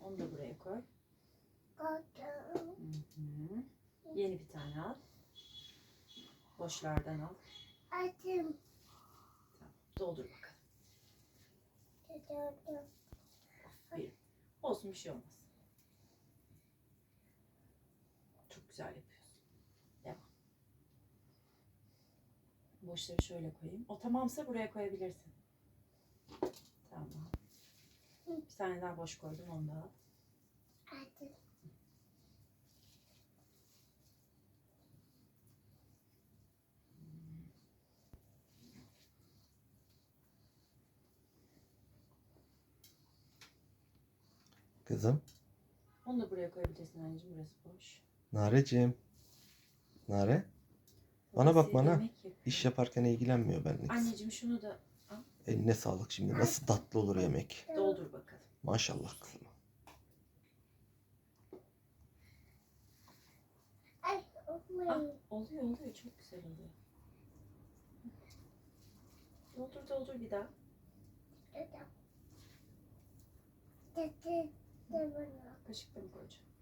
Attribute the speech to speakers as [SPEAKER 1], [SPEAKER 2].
[SPEAKER 1] Onu da buraya koy.
[SPEAKER 2] Koydum.
[SPEAKER 1] Hı. Yeni bir tane al. Boşlardan al.
[SPEAKER 2] Açım.
[SPEAKER 1] Tamam. Doldur bakalım.
[SPEAKER 2] Tutuyorum.
[SPEAKER 1] Bir. Olsun, bir şey olmaz. Çok güzel yapıyorsun. Devam. Boşları şöyle koyayım. O tamamsa buraya koyabilirsin. Tamam. Bir tane daha boş koydum, onu da al.
[SPEAKER 2] Açım.
[SPEAKER 3] Kızım.
[SPEAKER 1] Onu da buraya koyabilirsin anneciğim. Burası boş.
[SPEAKER 3] Nareciğim. Nare. Bana bak bana.
[SPEAKER 1] Yemek yapıyor.
[SPEAKER 3] İş yaparken ilgilenmiyor benimle kız.
[SPEAKER 1] Anneciğim şunu da al.
[SPEAKER 3] Eline sağlık şimdi. Nasıl tatlı olur yemek.
[SPEAKER 1] Doldur bakalım.
[SPEAKER 3] Maşallah kızım.
[SPEAKER 2] Ay,
[SPEAKER 1] Ah,
[SPEAKER 2] olmuyor.
[SPEAKER 1] oluyor. Çok güzel oluyor. Doldur bir daha.
[SPEAKER 2] Tutuyorum. Tutuyorum.
[SPEAKER 1] Kaşıkla mı koyacağım?